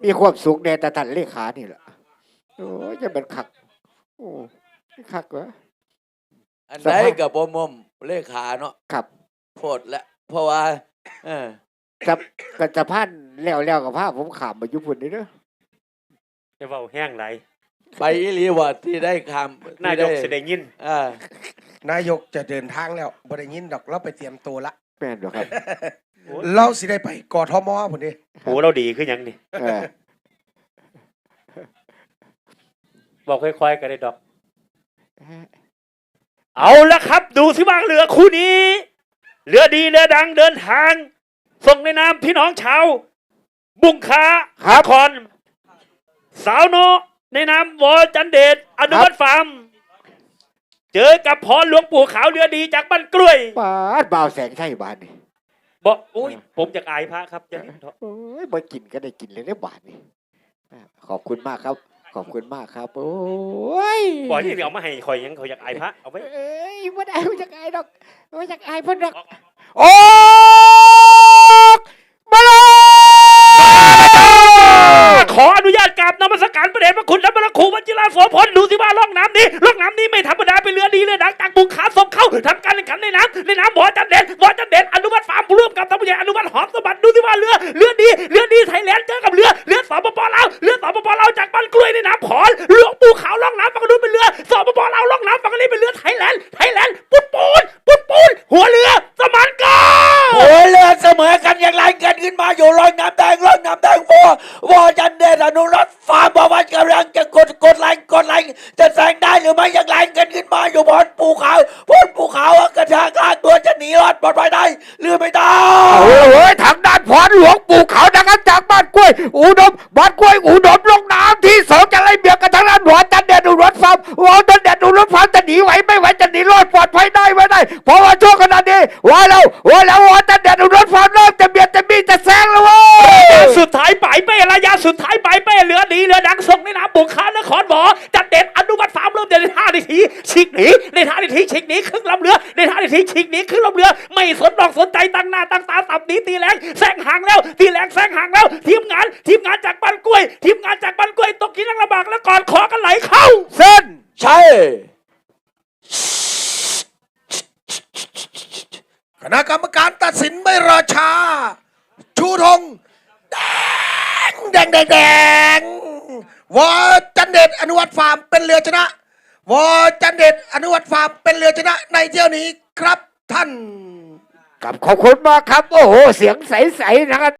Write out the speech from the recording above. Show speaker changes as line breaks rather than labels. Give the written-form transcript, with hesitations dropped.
มีความสุขในแต่ท่านเลขานี่แหละโอ้ยจะเป็นคักโอ้คักวะ
อันใดกับบ่มเลขาเนาะ
ครับ
โพดและเพราะว่า
กับจะพันแล้วกับผ้าผมขามมายุพุ่นนี่เด้อ
จะเว้าแห้งไหล
ไปอีหลีว่าที่ได้คำ
นายกสิได้ยิน
นายกจะเดินทางแล้วบ่ได้ยินดอกเราไปเตรียมตัวละ
แม่นบ่ครับ
เราสิได้ไปกทมพุ่นดิ
โหเราดีขึ้นยังนี่บอกค่อยๆกันได้ดอกเอาละครับดูสิว่าเรือคู่นี้เรือดีเรือดังเดินทางส่งในนามพี่น้องชาวบุงคาคอนสาวโนในนามวอจันเดชอนุวัฒน์ฟาร์มเจอกับพรหลวงปู่ขาวเรือดีจากบ้านกล้วย
บาดบ่าวแสงใช่บ้านนี่
บอกโอ้ยผมอยากอายพระครับจะ
โอ้ยมากินก็ได้กินเลยได้บาทนี่ขอบคุณมากครับขอบคุณมากครับโอ้ย
บอกที่เดี๋ยวมาให้คอยยังเขาอยากอายพระเอาไว้
เอ้ยไม่ได้ไม่อยากอายดอกไม่อยากอายเพิ่นดอก
โอ้
มาเลย
ขออนุญาตกราบนมัสการพระเดชพระคุณและพระครูวชิราโสพลดูสิว่าล่องน้ำนี้ไม่ธรรมดาเป็นเรือดีเรือดังจากบุงขาส่งเข้าทำการแข่งขันในน้ำหมอจันเด่นอนุวัฒน์ฟาร์มร่วมกับท่านผู้ใหญ่อนุวัฒน์หอมสมบัติดูสิว่าเรือดีไทยแลนด์เจอกับเรือสปปลาวจากบ้านกล้วยในน้ำผอนหลวงปู่ขาวล่องน้ำฝั่งนู้นเป็นเรือสปปลาวล่องน้ำฝั่งนี้เป็นเรือไทยแลนด์ปุ้นหัวเรือสมานกัน
หัวเรือเสมอกันอย่างไรกันขึ้นมาอยู่ลอยน้ำแดงวอจันเดชอนุรักษ์ฟาร์มบอกว่ากำลังจะกดแรงจะแซงได้หรือไม่อย่างไรกันขึ้นมาอยู่บนภูเขากระชากลากตัวจะหนีรอดปลอดภัยได้หรือไม่ได้
โอ้ยทางด้านพรหลวงปู่ขาวนะครับจากบ้านกล้วยอุดมลงน้ำที่2จะไล่เบียดกันทางด้านหัวจันเดชอุดมฟาร์มหัวจันเดชอุดมฟาร์มจะหนีไหวไม่ไหวจะหนีรอดปลอดภัยได้ไม่ได้เพราะว่าช่วงขณะนี้ว่าแล้วหัวจันเดชอุดมฟาร์มเริ่มจะเบียดจะแซงแล้วเว้
ยสุดท้ายปลายเป้ระยะสุดท้ายปลายเป้เรือดีเรือดังส่งในน้ำบุกขานครหมอจันเดชอนุวัฒน์ฟาร์มเริ่มเดินในท่าทีฉีกหนีครึ่งลำเรือในท่าทีฉีกหนีครึ่งลำเรือไม่สนใจตั้งหน้าตั้งตาสับหนีตีแรงแซงห่างแล้วทีมงานจากบ้านกล้วยตกกินลำบากแล้วก่อนขอกันไหลเข้า
เส้น
ใช่
คณะกรรมการตัดสินไม่รอช้าชูธงแดงวอจันเดชอนุวัฒน์ฟาร์มเป็นเรือชนะวอจันเดชอนุวัฒน์ฟาร์มเป็นเรือชนะในเที่ยวนี้ครับท่าน
ขอบคุณมากครับโอ้โหเสียงใสๆนะครับ